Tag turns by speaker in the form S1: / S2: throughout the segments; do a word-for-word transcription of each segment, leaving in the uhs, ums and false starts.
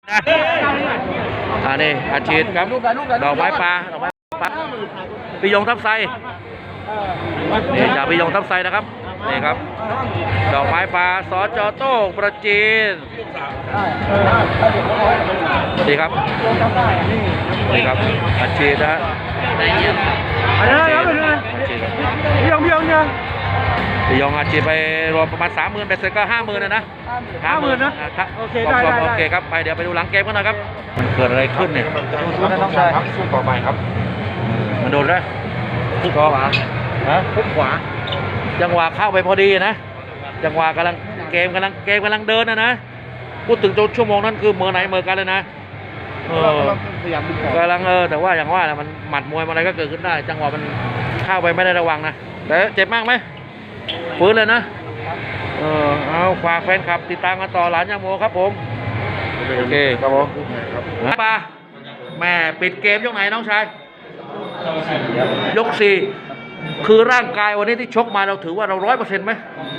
S1: อันนี้อาชีพครับดอกไม้ปลาดอกไม้ปลาปิยงทับไซนี่จากปิยงทับไซนะครับนี่ครับดอกไม้ปลาสจโต้งประจีนนี่ครับนี่ครับอาชีพนะฮะปิยงปิยงเนี่ยปิยงอาชีพไปรวมประมาณสามหมื่นเป็นเสร็จก็ห้าหมื่นนะนะห้าหมื่นนะโอเคได้ได้โอเคครับไปเดี๋ยวไปดูหลังเกมกันนะครับมันเกิดอะไรขึ้นเนี่ยสู้นะน้องชายสู้ต่อไปครับมันโดนได้ทุกขวาฮะทุกขวาจังหวะเข้าไปพอดีนะจังหวะกำลังเกมกำลังเกมกำลังเดินนะนะพูดถึงจนชั่วโมงนั้นคือเมื่อไหนเมื่อกันเลยนะเออกำลังเออแต่ว่าอย่างว่าแหละมันหมัดมวยอะไรก็เกิดขึ้นได้จังหวะมันเข้าไปไม่ได้ระวังนะแต่เจ็บมากไหมฟื้นเลยนะเออเอาฝากแฟนคลับติดตามกันต่อหลานยาโมครับผมโอเคครับผมปาแม่ปิดเกมยกไหนน้องชายยกสี่คือร่างกายวันนี้ที่ชกมาเราถือว่าเราร้อยเปอร์เซ็นต์ไหม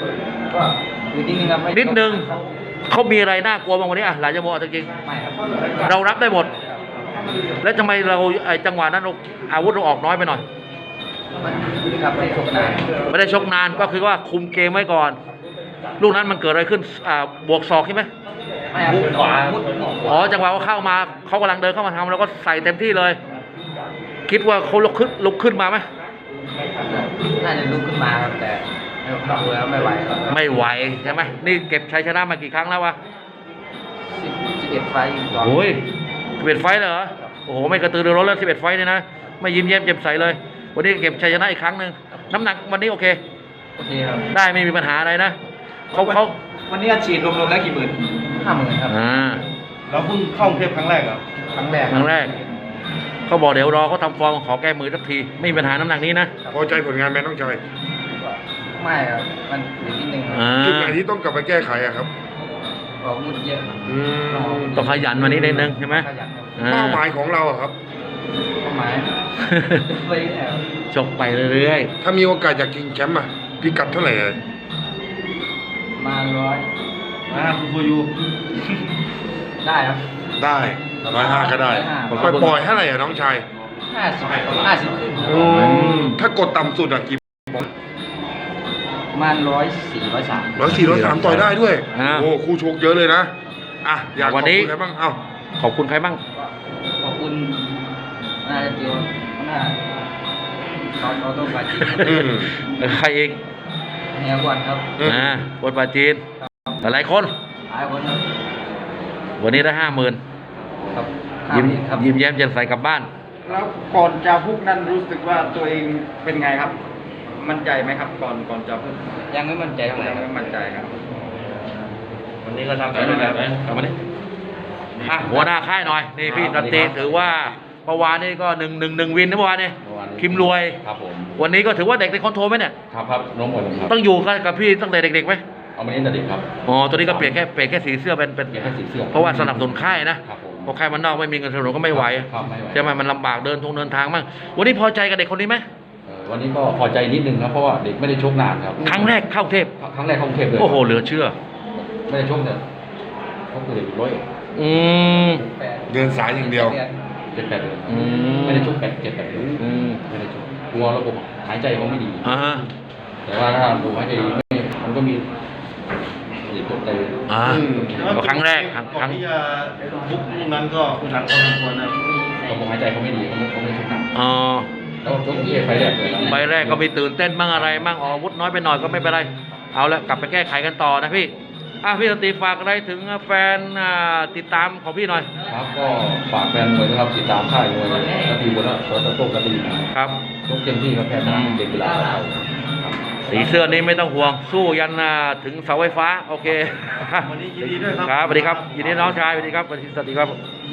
S1: นิดนึงเขามีอะไรน่ากลัวบางวันนี้อ่ะหลานยาโมจริงๆเรารับได้หมดแล้วทำไมเราไอ้จังหวะนั้นอาวุธเราออกน้อยไปหน่อยไม่ได้ชกนานไม่ได้ชกนานก็คือว่าคุมเกมไว้ก่อนลูกนั้นมันเกิดอะไรขึ้นอ่าบวกศอกใช่ไหมมุดขวาอ๋อจังหวะว่าเข้ามาเขากำลังเดินเข้ามาทำแล้วก็ใส่เต็มที่เลยคิดว่าเขาลุกขึ้นลุกขึ้นมาไหม
S2: น่าจะลุกขึ้นมาครับแต่ดูแล้วไม่ไหวครับไม่ไหว
S1: ใช่ไหมนี่เก็บชัยชนะมากี่ครั้งแล้ววะ
S2: สิบเอ็ดไฟอยู่ก่อน
S1: โอ้ยสิบเอ็ดไฟเหรอโอ้โหไม่กระตือรือร้นแล้วสิบเอ็ดไฟเนี่ยนะไม่ยิ้มแย้มแจ่มใสเลยวันนี้เก็บชัยชนะอีกครั้งหนึ่งน้ำหนักวันนี้โอเค
S2: โอเคครับ
S1: ได้ไม่มีปัญหาอะไรนะเขาเขา
S2: วันนี้ฉีดรวมๆแล้วกี่หมื่นห้าหมื่นครับ
S1: อ่า
S3: เราเพิ่งเข้ากรุงเทพครั้งแรกครับ
S2: ครั้งแรก
S1: ครั้งแรกเขาบอกเดี๋ยวรอเขาทำฟอร์มขอแก้มือสักทีไม่มีปัญหาน้ำหนักนี้นะ
S3: พอใจผลงานแม่น้องชาย
S2: ไม่ครับมันอยู่นิดนึง
S3: จุดไหนที่ต้องกลับไปแก้ไขอะครับ
S2: ออกมุดเยอะ
S1: ต้องขยันวันนี้นิดนึงใช่ไหม
S3: เป้าหมายของเราอะครับ
S2: เป้าหมายไปแล้ว
S1: ชกไปเรื่อย
S3: ๆถ้ามีโอกาสอยากชิงแชมป์อะพิกัดเท่าไหร่เลย
S2: มาร้อย
S3: อ่าคุณฟูยู
S2: ได้ครับ
S3: ได้ร้อยห้าก็ได้ปล่อยปล่อยเท่าไหร่อะน้องชาย
S2: ห้าสิบห้าสิบขึ้น
S3: ถ้ากดต่ำสุดอะกี่
S2: ประมาณร้อยสี่ร้อยสาม
S3: ร้อยสี่ร้อยสามต่อยได้ด้วยโอ้คู่ชกเยอะเลยนะอ่ะอยากขอบคุณใครบ้างเอ้า
S1: ขอบคุณใครบ้าง
S2: ขอบคุณน่าจะเจียวน่าเขาเขาต้องปาจีน
S1: ใครเอง
S2: เฮียกวนครับ
S1: อ่าคนปาจีนหลายคน
S2: หลายคนครับ
S1: วันนี้ได้ห้าหมื่นยิ้มยิ้มแย้มแจ่มใสกลับบ้าน
S2: แล้วก่อนจะพุกนั้นรู้สึกว่าตัวเองเป็นไงครับมั่นใจไหมครับก่อนก่อนจะพุกยังไม่มั่นใจเท่าไหร่ยังไม่มั่นใจครับ
S1: วันนี้ก็ทำไปด้วยแบบกลับมาดิอ่ะหัวหน้าค่ายหน่อยนี่พี่ตันตีถือว่าเมื่อวานนี้ก็หนึ่งหนึ่งหนึ่งวินนะเมื่อวานนี้คิมรวย
S4: ครับผม
S1: วันนี้ก็ถือว่าเด็กในคอนโทรลไหมเนี่ย
S4: ครับครับน้องหมดครับ
S1: ต้องอยู่กับพี่ตั้งแต่เด็กๆไหม
S4: เอามาเล่นแต่เด็กครับ
S1: อ๋อตัวนี้ก็เปลี่ยนแค่เปลี่ยนแค่สีเสื้อเป็นเป็น
S4: แค่สีเสื้อ
S1: เพราะว่าสนับสนุนค่ายนะเพราะค่ายมันนอกไม่มีเงินสนับสนุนก็ไม่ไหวใช่ไหมมันลำบากเดินทงเดินทางมั่งวันนี้พอใจกับเด็กคนนี้ไหม
S4: วันนี้ก็พอใจนิดนึงครับเพราะว่าเด็กไม่ได้ชกนานครับ
S1: ครั้งแรกเข้าเทพ
S4: ครั้งแรกเข้ากรุงเทพเลย
S1: โอ้โหเหลือเชื่อ
S4: ไม่ได้ชกเนี่ยเขาคือเด็กร้อย
S1: อืม
S3: เดินสายอย่างเดียว
S4: เจ็ดแปดเลยไม่ได้ชกแปดเจ็ดแปดเลยไม่ได้ชกกลัวระบบหายใจเขาไม่ดีแต่ว่าถ้าระบบหายใจดีมันก็มีเด็กตกใจ
S1: อ่าครั้งแรกครั้ง
S3: ที่จะบุกลูกนั้นก็คุณหลังพอสมควรนะ
S4: ระบบหายใจเขาไม่ดีเขาเขาไม่ชกหนัก
S1: อ๋อ
S4: แล้วชกเย่ไฟแรกเลย
S1: ไฟแรกก็มีตื่นเต้นบ้างอะไรบ้างออกอาวุธน้อยไปหน่อยก็ไม่เป็นไรเอาละกลับไปแก้ไขกันต่อนะพี่อ่ะพี่สันติฝากอะไรถึงแฟนติดตามของพี่หน่อย
S4: ครับก็ฝากแฟนมวยนะครับติดตามค่ายมวยกระบี่บุญและสวนตะโต้กระบี่
S1: ครับ
S4: ยกเต็มที่ครับแพ้ชนะเด็กกีฬา
S1: สีเสื้อนี้ไม่ต้องห่วงสู้ยันถึงเสาไฟฟ้าโอเค
S3: วันนี้ยินดีด้วยครับ
S1: ครับสวัสดีครับยินดีน้องชายสวัสดีครับสวัสดีครับ